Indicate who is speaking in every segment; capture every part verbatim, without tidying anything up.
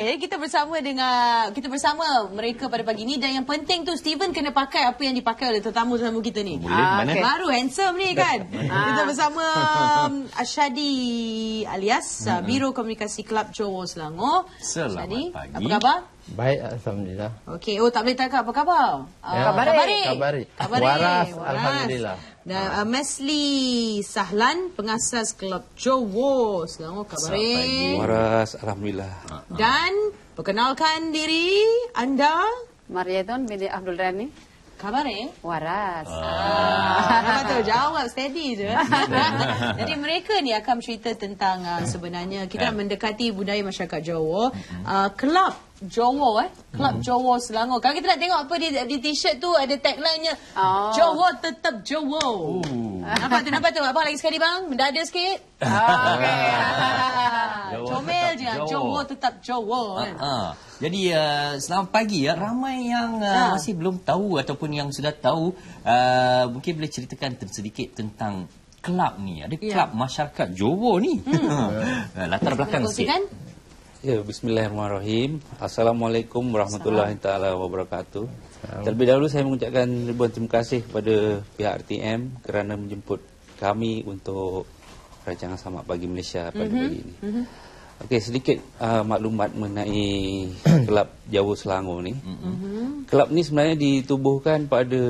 Speaker 1: Okey, kita bersama dengan kita bersama mereka pada pagi ni, dan yang penting tu Steven kena pakai apa yang dipakai oleh tetamu-tetamu kita ni.
Speaker 2: Boleh, ah, mana?
Speaker 1: Okay. Baru handsome ni kan. Kita bersama um, Ashadi alias uh, Biro Komunikasi Kelab Johor Selangor.
Speaker 2: Selamat
Speaker 1: Ashadi,
Speaker 2: pagi.
Speaker 1: apa khabar?
Speaker 3: Baik, alhamdulillah.
Speaker 1: Okey, oh tak boleh tanya apa khabar?
Speaker 3: Ya.
Speaker 1: Uh,
Speaker 3: Kabari. Kabari.
Speaker 1: Kabari.
Speaker 3: Waras,
Speaker 1: Waras.
Speaker 3: alhamdulillah.
Speaker 1: Dan uh, Mesli Sahlan, pengasas Kelab Johor Selangor. Kabari.
Speaker 4: Waras, alhamdulillah.
Speaker 1: Dan perkenalkan diri anda.
Speaker 5: Mariaton binti Abdul Rani.
Speaker 1: Khabar eh?
Speaker 5: Waras.
Speaker 1: Ah, nampak tu, jawab steady je. Jadi mereka ni akan cerita tentang uh, sebenarnya kita nak mendekati budaya masyarakat Johor. Uh, Kelab Johor eh. Kelab Johor Selangor. Kalau kita nak tengok apa di, di t-shirt tu ada tagline-nya. Oh. Johor tetap Johor. Uh. Nampak tu, nampak tu. Abang lagi sekali bang, mendadak sikit. Oh, okey. Comel je. Johor tetap Johor kan.
Speaker 2: Uh, Jadi uh, selamat pagi ya. Ramai yang uh, ha. masih belum tahu ataupun yang sudah tahu, uh, mungkin boleh ceritakan sedikit tentang kelab ni. Ada kelab ya. masyarakat Johor ni. Hmm. Latar belakang sikit.
Speaker 4: Ya, bismillahirrahmanirrahim. Assalamualaikum warahmatullahi taala wabarakatuh. Terlebih dahulu saya mengucapkan ribuan terima kasih kepada pihak R T M kerana menjemput kami untuk rancangan Selamat Pagi Malaysia pada mm-hmm. pagi ini. Mm-hmm. Okey, sedikit uh, maklumat mengenai Kelab Johor Selangor ni. Mm-hmm. Kelab ni sebenarnya ditubuhkan pada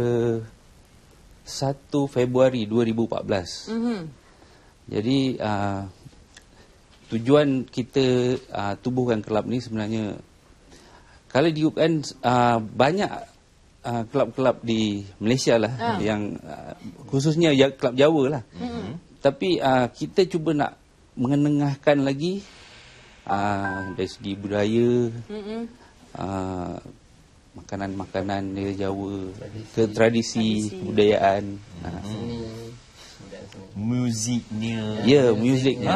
Speaker 4: satu Februari dua ribu empat belas. Mm-hmm. Jadi uh, tujuan kita uh, tubuhkan kelab ni sebenarnya, kalau diukan uh, banyak uh, kelab-kelab di Malaysia lah, uh. yang uh, khususnya ya, kelab Jawa lah. Mm-hmm. Tapi uh, kita cuba nak mengenengahkan lagi uh, dari segi budaya, mm-hmm. uh, makanan-makanan dari Jawa, tradisi, ke tradisi, tradisi. Kebudayaan. Mm-hmm. uh,
Speaker 2: Muziknya.
Speaker 4: Ya, yeah, muziknya.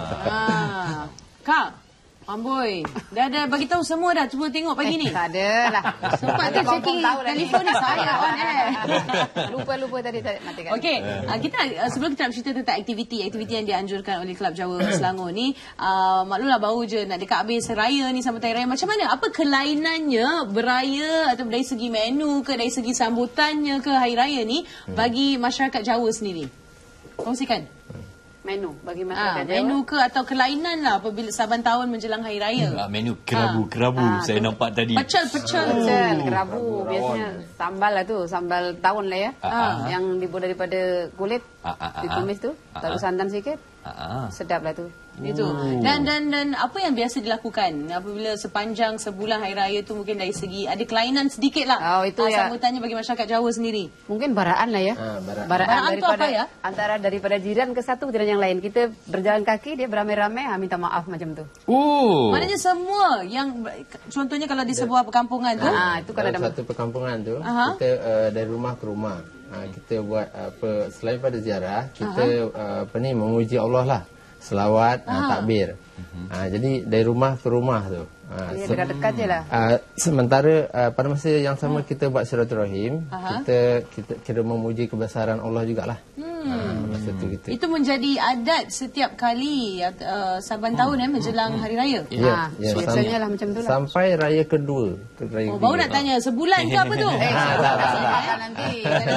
Speaker 1: Ah. Kak, amboi, dah ada bagi tahu semua dah, cuba tengok pagi
Speaker 5: eh,
Speaker 1: ni.
Speaker 5: Tak ada lah.
Speaker 1: Sempat tu checking telefon ni saya on air.
Speaker 5: Lupa-lupa tadi tak matikan.
Speaker 1: Okey, uh, kita uh, sebelum kita nak bercerita tentang aktiviti aktiviti yang dianjurkan oleh Kelab Johor Selangor ni, uh, maklumlah baru je nak dekat habis raya ni, sambutan raya. Macam mana? Apa kelainannya beraya atau dari segi menu ke, dari segi sambutannya ke hari raya ni bagi masyarakat Jawa sendiri? Kongsikan.
Speaker 5: Menu bagi masyarakat
Speaker 1: ah, menu ke atau kelainan lah apabila saban tahun menjelang hari raya.
Speaker 2: Ah, menu kerabu-kerabu ah. saya ah, nampak tadi.
Speaker 1: Pecel-pecel.
Speaker 5: Pecel, kerabu. Biasanya sambal lah tu, sambal tawon lah ya. Ah, ah, yang dibuat daripada kulit, ah, ah, ditumis tu, ah, taruh santan sikit. Ah, sedap lah tu.
Speaker 1: Itu. Oh. Dan dan dan apa yang biasa dilakukan apabila sepanjang sebulan hari raya tu, mungkin dari segi ada kelainan sedikit lah.
Speaker 5: Oh, itu ya.
Speaker 1: Sambutannya bagi masyarakat Jawa sendiri.
Speaker 5: Mungkin baraan lah ya.
Speaker 1: Ha, baraan.
Speaker 5: Baraan,
Speaker 1: baraan
Speaker 5: daripada
Speaker 1: apa ya?
Speaker 5: Antara daripada jiran ke satu jiran yang lain. Kita berjalan kaki, dia beramai-ramai, ha, minta maaf macam tu.
Speaker 2: Oh.
Speaker 1: Maknanya semua yang contohnya kalau di sebuah perkampungan tu.
Speaker 5: Ha, itu kalau
Speaker 3: dalam
Speaker 5: ada
Speaker 3: satu perkampungan tu,
Speaker 1: Aha.
Speaker 3: kita uh, dari rumah ke rumah. Uh, kita buat apa, selain pada ziarah, kita uh, apa ni memuji Allah lah. Selawat, uh, takbir. Uh-huh. Uh, jadi dari rumah ke rumah tu. Uh,
Speaker 5: ya, dekat-dekat je lah.
Speaker 3: Uh, sementara uh, pada masa yang sama kita buat silaturahim, uh-huh. kita kita kira memuji kebesaran Allah jugalah. Hmm. Uh, masa tu kita.
Speaker 1: Itu menjadi adat setiap kali uh, saban tahun eh menjelang hari raya.
Speaker 3: Ya, ya,
Speaker 5: biasanya lah macam tu lah.
Speaker 3: Sampai raya kedua. Raya
Speaker 1: oh, baru nak tanya sebulan ke apa tu?
Speaker 5: Eh, tak, tak, tak. Nanti.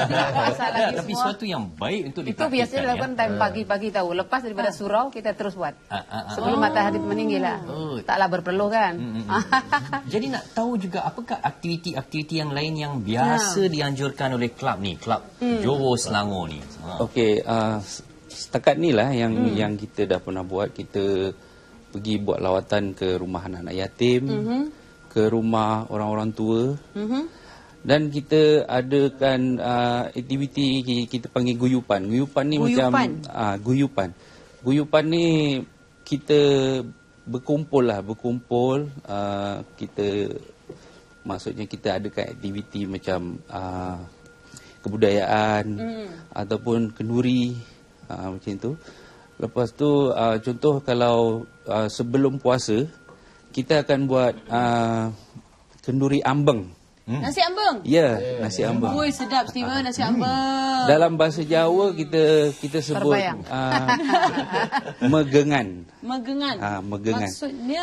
Speaker 2: Tapi sesuatu yang baik untuk
Speaker 5: dipraktikkan. Itu biasanya dilakukan time pagi-pagi tahu. Lepas daripada surau, kita terus buat. Sebelum matahari meninggi lah. Taklah berpeluh kan.
Speaker 2: Jadi nak tahu juga apakah aktiviti-aktiviti yang lain yang biasa dianjurkan oleh kelab ni, Kelab Johor Selangor ni.
Speaker 4: Okey, uh, setakat ni lah yang hmm. yang kita dah pernah buat. Kita pergi buat lawatan ke rumah anak-anak yatim, mm-hmm. ke rumah orang-orang tua, mm-hmm. dan kita adakan uh, aktiviti kita panggil guyupan. Guyupan ni guyupan. macam uh, guyupan. Guyupan ni kita berkumpul lah, berkumpul. Uh, kita maksudnya kita adakan aktiviti macam uh, kebudayaan mm. ataupun kenduri, uh, macam tu. Lepas tu uh, contoh kalau uh, sebelum puasa kita akan buat uh, kenduri ambeng.
Speaker 1: Hmm. Nasi ambeng?
Speaker 4: Ya, yeah, nasi ambeng.
Speaker 1: Oi, sedap Steven, nasi ambeng.
Speaker 4: Dalam bahasa Jawa kita kita sebut uh, megengan.
Speaker 1: Megengan.
Speaker 4: Ah, uh, megengan.
Speaker 1: Maksudnya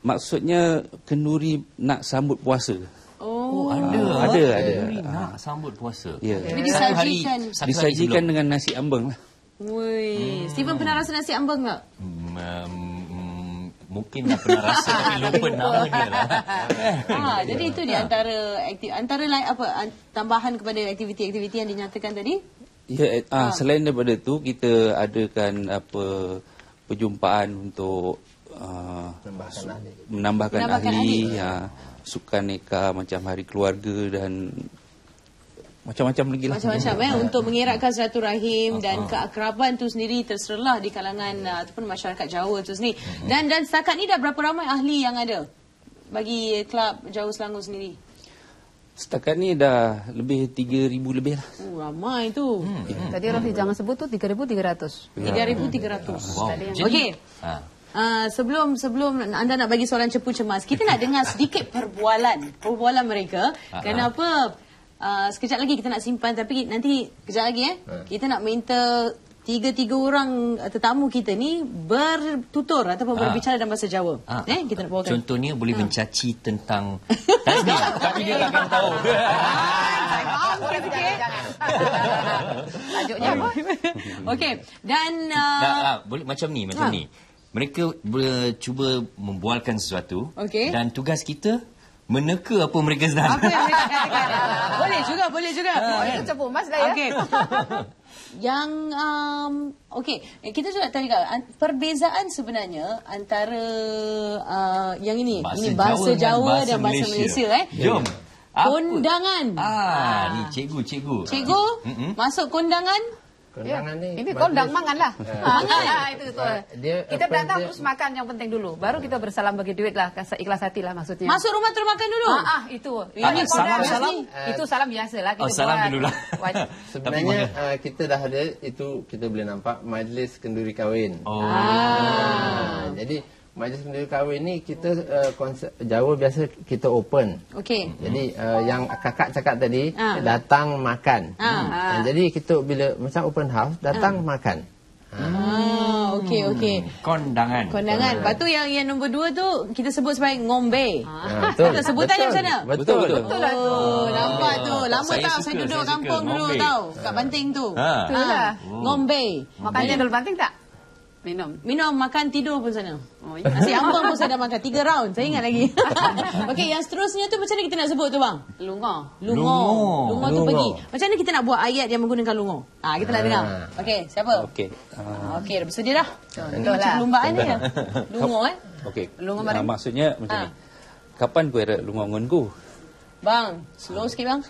Speaker 4: Maksudnya kenduri nak sambut puasa.
Speaker 1: Oh,
Speaker 2: ada.
Speaker 4: Ada, ada.
Speaker 2: Kenduri nak sambut puasa.
Speaker 4: Ya.
Speaker 1: Jadi
Speaker 2: Satu hari,
Speaker 1: disajikan.
Speaker 2: satu hari
Speaker 4: Disajikan
Speaker 2: sebelum.
Speaker 4: dengan nasi ambeng lah.
Speaker 1: Woi, Steven pernah rasa nasi ambeng tak?
Speaker 2: Hmm, um, mungkin dah pernah rasa tapi lupa nama dia lah.
Speaker 1: Ha, jadi itu di antara aktiv, antara lain apa an- tambahan kepada aktiviti-aktiviti yang dinyatakan tadi?
Speaker 4: Ya, ah, selain daripada tu kita adakan apa perjumpaan untuk uh,
Speaker 3: Menambahkan ahli.
Speaker 4: menambahkan,
Speaker 1: Menambahkan
Speaker 4: ahli,
Speaker 1: ahli.
Speaker 4: ya, sukan neka macam hari keluarga dan macam-macam lagi lah.
Speaker 1: Macam-macam eh untuk mengeratkan silaturahim dan keakraban tu sendiri terserlah di kalangan uh, ataupun masyarakat Jawa tu sendiri. Dan dan setakat ni dah berapa ramai ahli yang ada bagi Kelab Jawa Selangor sendiri?
Speaker 4: Setakat ni dah lebih tiga ribu lebih lah.
Speaker 1: Oh, ramai tu. Hmm.
Speaker 5: Tadi Rafi jangan sebut tu tiga ribu tiga ratus.
Speaker 1: tiga ribu tiga ratus.
Speaker 2: Wow. Jadi,
Speaker 1: Okey.
Speaker 2: ha.
Speaker 1: Uh, sebelum sebelum anda nak bagi soalan cepu cemas, kita nak dengar sedikit perbualan perbualan mereka. Kenapa uh, sekejap lagi kita nak simpan tapi nanti kejap lagi eh kita nak minta tiga-tiga orang uh, tetamu kita ni bertutur ataupun berbicara dalam bahasa Jawa.
Speaker 2: Ah.
Speaker 1: Eh kita nak bawakan.
Speaker 2: Contohnya boleh mencaci tentang tasbih tapi dia takkan tahu.
Speaker 5: Tajuknya apa?
Speaker 1: Okey. Dan uh,
Speaker 2: Nah, ah, boleh macam ni, macam
Speaker 1: Ha.
Speaker 2: ni. Mereka ber, cuba membualkan sesuatu
Speaker 1: Okey.
Speaker 2: dan tugas kita meneka apa mereka sedang.
Speaker 1: apa yang mereka katakan? Boleh juga, boleh juga.
Speaker 5: Oh, itu cepu mas lah ya.
Speaker 1: Okey. Yang um, okey, eh, kita juga tanya juga an- perbezaan sebenarnya antara uh, yang ini,
Speaker 2: Bahasa
Speaker 1: ini bahasa
Speaker 2: Jawa
Speaker 1: Jawa,
Speaker 2: dan
Speaker 1: dan bahasa
Speaker 2: bahasa
Speaker 1: Malaysia,
Speaker 2: Malaysia,
Speaker 1: eh.
Speaker 2: Jom. Apa?
Speaker 1: Kondangan.
Speaker 2: Ah, ni cikgu, cikgu.
Speaker 1: Cikgu,
Speaker 2: Mm-mm.
Speaker 1: masuk kondangan.
Speaker 3: Kondangan
Speaker 5: Ya.
Speaker 3: ni
Speaker 5: Ini
Speaker 3: majlis-
Speaker 5: kondang mangan lah.
Speaker 1: Mangan.
Speaker 5: itu betul.
Speaker 3: Ah, dia
Speaker 5: Kita
Speaker 3: apa
Speaker 5: datang
Speaker 3: dia-
Speaker 5: terus makan yang penting dulu. Baru kita bersalam bagi duit lah. Kas- Ikhlas hati lah maksudnya.
Speaker 1: Masuk rumah terus makan dulu.
Speaker 5: Ah, ah itu.
Speaker 1: Ini
Speaker 5: Ini
Speaker 1: salam-
Speaker 5: kondangan
Speaker 2: salam?
Speaker 5: ni, itu salam biasa lah.
Speaker 2: Oh, salam dulu lah.
Speaker 5: Wajib.
Speaker 3: Sebenarnya uh, kita dah ada itu kita boleh nampak majlis kenduri kahwin.
Speaker 2: Oh.
Speaker 3: Ah, jadi majlis kenduri kahwin ni kita uh, konsep Jawa biasa kita open.
Speaker 1: Okey.
Speaker 3: Jadi uh, yang kakak cakap tadi
Speaker 1: Ah.
Speaker 3: datang makan.
Speaker 1: Ah.
Speaker 3: Ah, jadi kita bila macam open house datang makan.
Speaker 1: Ah, okey okey.
Speaker 2: Kondangan.
Speaker 1: Kondangan. Lepas tu yang yang nombor dua tu kita sebut sebagai ngombe.
Speaker 3: Ah, betul.
Speaker 1: Betul, sebutannya macam mana?
Speaker 3: Betul betul.
Speaker 5: Betul lah tu.
Speaker 1: Oh, nampak tu. Lama
Speaker 2: Saya
Speaker 1: tau
Speaker 2: suka,
Speaker 1: saya duduk
Speaker 2: saya suka.
Speaker 1: kampung dulu
Speaker 2: Ngombe.
Speaker 1: tau. Kat Banting tu.
Speaker 2: Ha.
Speaker 5: Betul lah.
Speaker 1: Ngombe.
Speaker 5: Makan cendol banting tak? Minum.
Speaker 1: Minum, makan, tidur pun sana.
Speaker 5: Oh, ya.
Speaker 1: Nasi ambeng pun saya dah makan. Tiga round. Saya ingat lagi. Okey, yang seterusnya tu macam mana kita nak sebut tu bang?
Speaker 5: Lungo.
Speaker 1: Lungo.
Speaker 2: Lungo.
Speaker 1: Lungo tu
Speaker 3: Lungo.
Speaker 1: pergi. Macam mana kita nak buat ayat yang menggunakan lungo? Ah, kita nak dengar. Okey, siapa?
Speaker 4: Okey. Uh,
Speaker 1: Okey, dah bersedia dah.
Speaker 5: Contoh
Speaker 1: Macam
Speaker 5: lah.
Speaker 1: perlumbaan ni ya. Lungo eh.
Speaker 4: Okey.
Speaker 5: Lungo
Speaker 4: Ah,
Speaker 5: barang.
Speaker 4: maksudnya macam
Speaker 1: Ah.
Speaker 4: ni. Kapan kau ada lungo ngonku?
Speaker 1: Bang, slow sikit bang.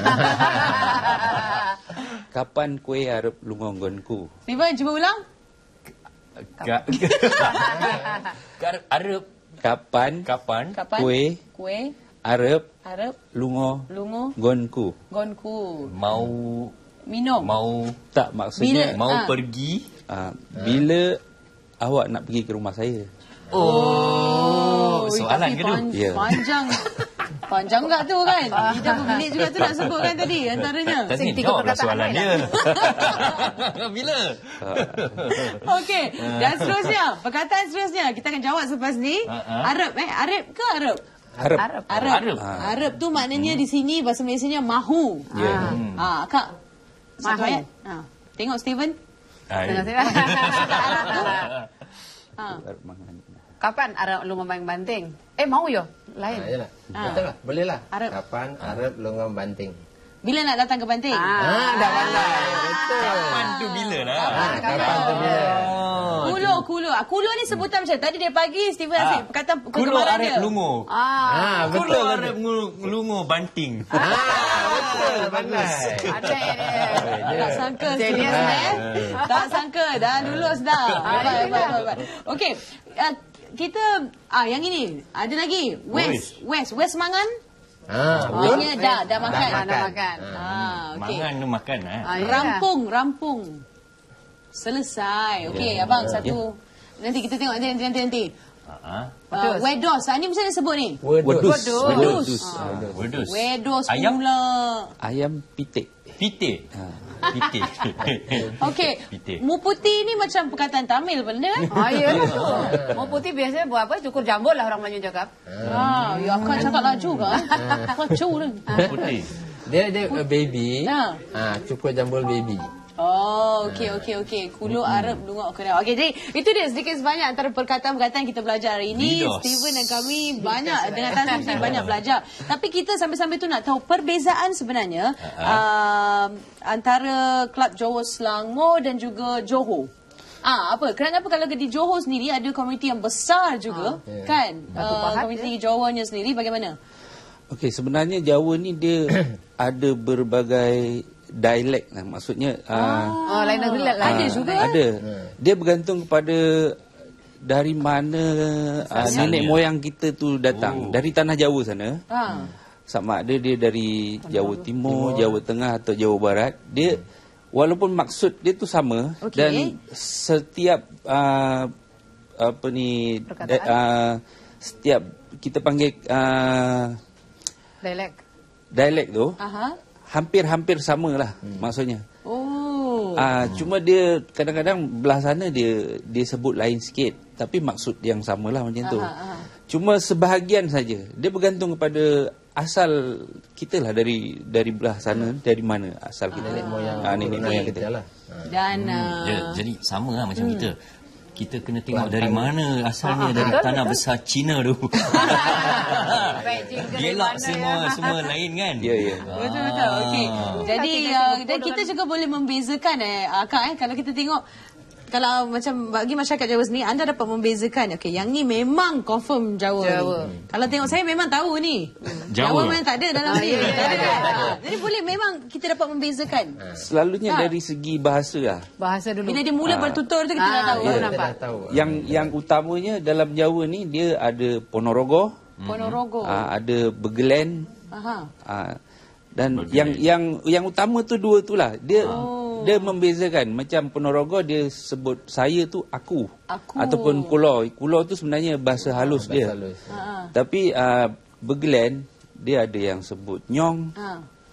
Speaker 4: Kapan kue arep lungo ngonku?
Speaker 1: Steven, cuba ulang.
Speaker 2: Ka- Ka- Arab
Speaker 4: Kapan
Speaker 2: kapan?
Speaker 1: Kapan?
Speaker 4: kue
Speaker 1: Kue.
Speaker 4: arep
Speaker 1: Harap.
Speaker 4: lungo
Speaker 1: Lungo.
Speaker 4: ngonku?
Speaker 1: Gonku.
Speaker 2: Mau
Speaker 1: Minum.
Speaker 2: mau
Speaker 4: Tak, maksudnya
Speaker 2: mau
Speaker 1: Ah.
Speaker 2: pergi.
Speaker 4: ah, bila awak nak pergi ke rumah saya?
Speaker 2: Oh,
Speaker 1: Ui,
Speaker 2: soalan
Speaker 1: tapi
Speaker 2: ke tu?
Speaker 1: pan-
Speaker 4: Ya.
Speaker 1: Panjang. Panjang tak tu kan? Kita berminit juga tu nak sebut kan tadi antaranya.
Speaker 2: Tadi
Speaker 5: Sing tiga
Speaker 2: jawablah
Speaker 5: perkataan
Speaker 2: soalan
Speaker 5: lain
Speaker 2: dia. Bila?
Speaker 1: Okey. Dan seterusnya, perkataan seterusnya kita akan jawab selepas ni.
Speaker 2: Ah, ah.
Speaker 1: Arab eh, Arab ke Arab?
Speaker 4: Harap.
Speaker 5: Arab.
Speaker 1: Arab.
Speaker 2: Arab.
Speaker 1: Arab tu maknanya di sini bahasa Malaysianya mahu.
Speaker 4: Ya.
Speaker 1: Ah, Kak. Satu
Speaker 5: Mahu.
Speaker 1: ayat. Ha. Tengok Steven.
Speaker 2: Ay.
Speaker 1: Arab tu. Ha.
Speaker 4: Arep mangan.
Speaker 5: Kapan Arab lungo main banting? Eh mau yo? Lain.
Speaker 3: Ah, yalah.
Speaker 1: Ah.
Speaker 3: Betul lah. Boleh lah.
Speaker 1: Arab.
Speaker 3: Kapan Arab longang banting?
Speaker 1: Bila nak datang ke Banting?
Speaker 3: Ah, dah pandai. Betul.
Speaker 2: Kapan tu bila lah?
Speaker 3: Ah, kapan tu bila?
Speaker 1: Kulo, kulo. Ah, kulo ni sebutan macam tadi dari pagi Steven
Speaker 2: Ah.
Speaker 1: asyik perkataan
Speaker 2: Kulo
Speaker 1: kegemaran
Speaker 2: Arab
Speaker 1: dia.
Speaker 2: lungo.
Speaker 5: Ah,
Speaker 3: Ah,
Speaker 2: Kulo
Speaker 3: betul.
Speaker 2: Arab ngu- lungo banting.
Speaker 3: Ah, betul. Pandai.
Speaker 5: ada dia.
Speaker 1: Tak sangka
Speaker 5: Serius,
Speaker 1: Steven,
Speaker 5: eh?
Speaker 1: eh. Tak sangka. Dah lulus dah. Hebat, hebat, hebat, hebat. Okey. Uh, kita, ah yang ini. Ada lagi. West. West. West Mangan.
Speaker 3: Ah,
Speaker 1: Maknanya dah, dah makan.
Speaker 5: Dah, dah makan.
Speaker 1: Ah, okey.
Speaker 2: Mangan tu makan eh.
Speaker 5: Ah, ya.
Speaker 1: Rampung, rampung. Selesai. Okey, abang satu. Nanti kita tengok nanti nanti nanti. nanti.
Speaker 2: Ha.
Speaker 1: Uh, wedos. Ah, ni macam mana sebut ni?
Speaker 3: Wedus.
Speaker 4: Wedus.
Speaker 1: Wedus.
Speaker 4: Wedus.
Speaker 2: Wedus.
Speaker 1: Wedos
Speaker 2: Ayam?
Speaker 1: pula.
Speaker 4: Ayam pitik.
Speaker 2: Pite. Pite.
Speaker 1: Okey.
Speaker 2: Pite.
Speaker 1: Mu putih ni macam perkataan Tamil benda eh?
Speaker 5: Ah, ya tu. Mau putih biasanya buat apa? Cukur jambul lah orang Melayu cakap.
Speaker 1: Ah, ya akan cakap laju kan? Laju dah.
Speaker 2: Putih.
Speaker 3: Dia dia uh, baby.
Speaker 1: Ha.
Speaker 3: Ha, cukur jambul baby.
Speaker 1: Oh, okey okey okey. Kulo Arab dungak kena. Okey, jadi itu dia sedikit sebanyak antara perkataan-perkataan yang kita belajar hari ini.
Speaker 2: Lidos.
Speaker 1: Steven dan kami banyak dengan Tan Sri banyak belajar. Tapi kita sambil-sambil tu nak tahu perbezaan sebenarnya uh, antara Kelab Johor Selangor dan juga Johor. Ah, apa? Kenapa kalau di Johor sendiri ada komuniti yang besar juga,
Speaker 3: Ah, yeah.
Speaker 1: kan?
Speaker 5: Batu
Speaker 1: Uh,
Speaker 5: Pahat
Speaker 1: komuniti Johornya sendiri bagaimana?
Speaker 4: Okey, sebenarnya Jawa ni dia ada berbagai dialek lah. Maksudnya ah.
Speaker 5: Oh, lain negeri lah.
Speaker 1: Ada
Speaker 5: lain.
Speaker 1: juga.
Speaker 4: Ada. Dia bergantung kepada dari mana uh, nenek moyang kita tu datang.
Speaker 2: Oh.
Speaker 4: Dari tanah Jawa sana.
Speaker 1: Ha.
Speaker 4: Sama ada dia dari Jawa Timur, Jawa Tengah atau Jawa Barat. Dia walaupun maksud dia tu sama
Speaker 1: Okey.
Speaker 4: dan setiap uh, apa ni
Speaker 5: Perkataan.
Speaker 4: uh, setiap kita panggil uh,
Speaker 5: Dialek.
Speaker 4: dialek tu
Speaker 1: Aha.
Speaker 4: hampir-hampir samalah hmm. maksudnya.
Speaker 1: Oh.
Speaker 4: Ah, cuma dia kadang-kadang belah sana dia dia sebut lain sikit tapi maksud yang samalah macam tu.
Speaker 1: Aha, aha.
Speaker 4: Cuma sebahagian saja. Dia bergantung kepada asal kita lah dari dari belah sana, dari mana asal kita.
Speaker 3: Nenek moyang.
Speaker 4: Ah, nenek moyang kita.
Speaker 3: lah. Ha.
Speaker 1: Dan
Speaker 2: Hmm.
Speaker 1: uh,
Speaker 2: Ya, jadi sama lah macam kita. Kita kena tengok dari mana asalnya dari
Speaker 5: betul,
Speaker 2: tanah
Speaker 5: betul.
Speaker 2: besar Cina tu.
Speaker 5: Beijing ke dari
Speaker 2: Gelak
Speaker 5: mana
Speaker 2: semua
Speaker 5: ya?
Speaker 2: semua lain kan?
Speaker 4: Ya, ya.
Speaker 1: betul-betul. Okey. Jadi
Speaker 5: Kaki
Speaker 1: uh,
Speaker 5: kasi
Speaker 1: dan
Speaker 5: betul
Speaker 1: kita
Speaker 5: dengan-
Speaker 1: juga boleh membezakan eh Kak eh kalau kita tengok kalau macam bagi masyarakat Jawa sendiri anda dapat membezakan okey yang ni memang confirm Jawa.
Speaker 5: Jawa.
Speaker 1: Ni. Kalau tengok saya memang tahu ni.
Speaker 2: Jawa.
Speaker 1: Jawa memang tak ada dalam ni. Tak ada kan? Ha. Jadi boleh memang kita dapat membezakan.
Speaker 4: Selalunya
Speaker 1: Ha.
Speaker 4: dari segi bahasa lah.
Speaker 5: Bahasa dulu.
Speaker 1: Bila dia mula bertutur tu kita dah
Speaker 5: Ah,
Speaker 1: tahu.
Speaker 5: baru
Speaker 3: Kita
Speaker 5: nampak.
Speaker 3: dah tahu.
Speaker 4: Yang yang utamanya dalam Jawa ni dia ada Ponorogo,
Speaker 1: Ponorogo.
Speaker 4: ah, ada Begelen,
Speaker 1: Aha.
Speaker 4: ah, dan yang yang yang utama tu dua tu lah. Dia
Speaker 1: Oh.
Speaker 4: dia membezakan. Macam Ponorogo dia sebut saya tu aku,
Speaker 1: Aku.
Speaker 4: ataupun kulo. Kulo tu sebenarnya bahasa halus
Speaker 3: Bahasa
Speaker 4: dia.
Speaker 3: halus.
Speaker 1: Ha.
Speaker 4: Tapi uh, Begelen dia ada yang sebut nyong.
Speaker 1: Ha.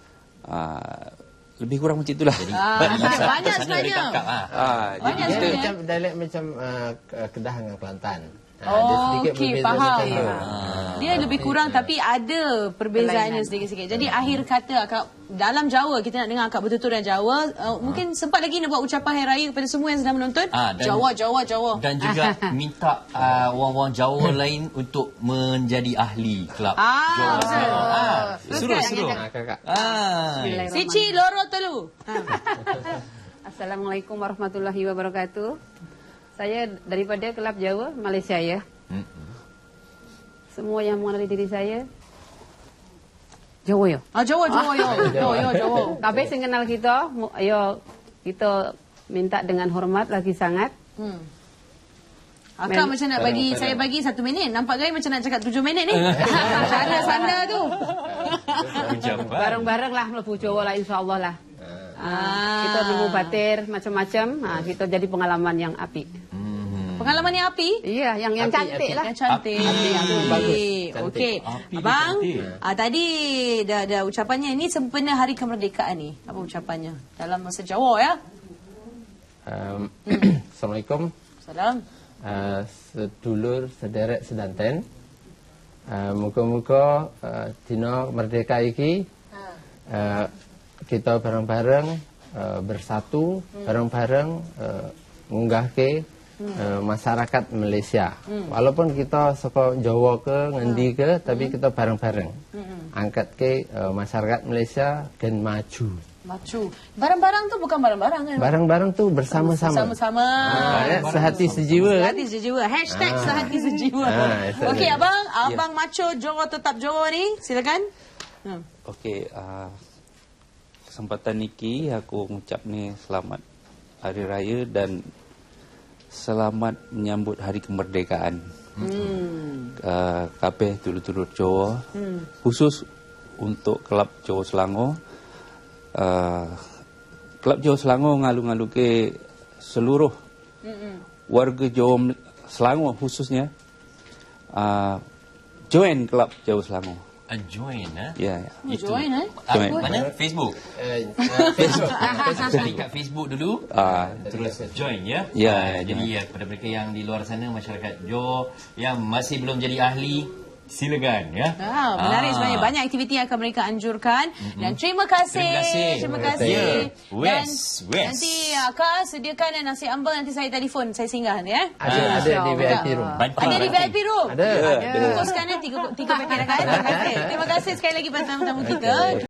Speaker 4: Uh, lebih kurang macam itulah.
Speaker 1: Ah, banyak sebenarnya.
Speaker 4: Ah, jadi
Speaker 1: Banyak
Speaker 3: Dia
Speaker 4: kita
Speaker 3: macam dialek macam uh, Kedah dengan Kelantan. Ha,
Speaker 1: Oh,
Speaker 3: dia sedikit
Speaker 1: okey,
Speaker 3: berbeza
Speaker 1: faham.
Speaker 3: macam tu.
Speaker 1: Dia lebih kurang tapi ada perbezaannya sedikit-sedikit. Jadi akhir kata akak dalam Jawa kita nak dengar akak bertutur dalam Jawa. Uh, mungkin sempat lagi nak buat ucapan hari raya kepada semua yang sedang menonton.
Speaker 2: Ah, dan-
Speaker 1: Jawa, Jawa, Jawa.
Speaker 2: Dan juga minta uh, orang-orang Jawa lain untuk menjadi ahli kelab
Speaker 1: Ah,
Speaker 2: Johor
Speaker 1: betul.
Speaker 2: Selangor. Ah,
Speaker 5: Teruskan.
Speaker 2: suruh suruh.
Speaker 3: Ha, kakak.
Speaker 2: Ah.
Speaker 1: Sici loro telu. Ha.
Speaker 5: Assalamualaikum warahmatullahi wabarakatuh. Saya daripada Kelab Jawa, Malaysia ya. Semua yang mengenali diri saya Jawa ya.
Speaker 1: Ah, Jawa, Jawa, yo. Yo, yo, Jawa.
Speaker 5: Kabeh sing kenal kita, mu- ayo kita minta dengan hormat lagi sangat.
Speaker 1: Hmm. Akak macam nak bagi saya bagi satu minit. Nampak gaya macam nak cakap tujuh minit ni. Cara sanda tu.
Speaker 2: Ucapan.
Speaker 5: Bareng-bareng lah mlebu Jawa lah insya-Allah lah.
Speaker 1: Ah.
Speaker 5: Kita nemu batir macam-macam, ha, kita jadi pengalaman yang apik.
Speaker 1: Pengalaman yang api.
Speaker 5: Iya, yang yang
Speaker 3: Apik,
Speaker 5: cantik
Speaker 3: apik.
Speaker 5: lah.
Speaker 1: Yang cantik.
Speaker 3: Api yang bagus. Cantik.
Speaker 1: Okey.
Speaker 2: Api dia
Speaker 1: Abang,
Speaker 2: cantik.
Speaker 1: ah, tadi dah ada ucapannya. Ini sempena hari kemerdekaan ni. Apa ucapannya? Dalam bahasa Jawa ya.
Speaker 3: Um, Assalamualaikum.
Speaker 1: Salam.
Speaker 3: Uh, sedulur sederek sedanten. Uh, muka-muka uh, dina merdeka iki uh, kita bareng-bareng uh, bersatu, bareng-bareng uh, ngunggahke uh, masyarakat Malaysia. Walaupun kita saka Jawa ke ngendi ke, tapi kita bareng-bareng. Angkat ke uh, masyarakat Malaysia dan maju.
Speaker 1: Macu. Barang-barang tu bukan barang-barang kan?
Speaker 3: Bareng-bareng tu bersama-sama.
Speaker 1: Bersama-sama.
Speaker 3: Ah, ya, sehati sejiwa kan?
Speaker 1: Sehati sejiwa. Hashtag sehati sejiwa.
Speaker 3: Ah, itu
Speaker 1: Okey
Speaker 3: dia.
Speaker 1: abang, abang maco Johor tetap Johor ni. Silakan. Hmm.
Speaker 4: okey uh, kesempatan niki aku ngucap ni selamat hari raya dan selamat menyambut hari kemerdekaan.
Speaker 1: Hmm.
Speaker 4: Uh, kabeh dulur-dulur Jawa, hmm. khusus untuk Kelab Johor Selangor. Uh, Kelab Johor Selangor ngalu-ngalu ke seluruh mm-hmm. warga Johor Selangor khususnya uh, join Kelab Johor Selangor.
Speaker 2: uh, join eh.
Speaker 4: Ya, ya.
Speaker 1: Oh, join eh.
Speaker 2: Ah,
Speaker 4: Join.
Speaker 2: mana? Facebook.
Speaker 3: Eh, eh, Facebook.
Speaker 2: Cari kat Facebook dulu.
Speaker 4: Ah,
Speaker 2: Terus join ya.
Speaker 4: Ya,
Speaker 2: Ah, jadi ya kepada mereka yang di luar sana, masyarakat Johor yang masih belum jadi ahli, silakan ya.
Speaker 1: Ah, menarik
Speaker 2: Ah.
Speaker 1: sebenarnya. Banyak aktiviti yang akan mereka anjurkan. Mm-hmm. Dan terima kasih.
Speaker 2: Terima kasih.
Speaker 1: Terima
Speaker 2: Terima
Speaker 1: kasih.
Speaker 2: kasih.
Speaker 1: Dan
Speaker 2: West, West.
Speaker 1: nanti Kak sediakan nasi ambal, nanti saya telefon, saya singgah ya.
Speaker 3: Ada ada di V I P room.
Speaker 2: Bantu,
Speaker 1: Ada di V I P room.
Speaker 3: Ada.
Speaker 1: Bungkuskan ya tiga, tiga paket. Terima kasih. Terima kasih sekali lagi pada tamu-tamu kita.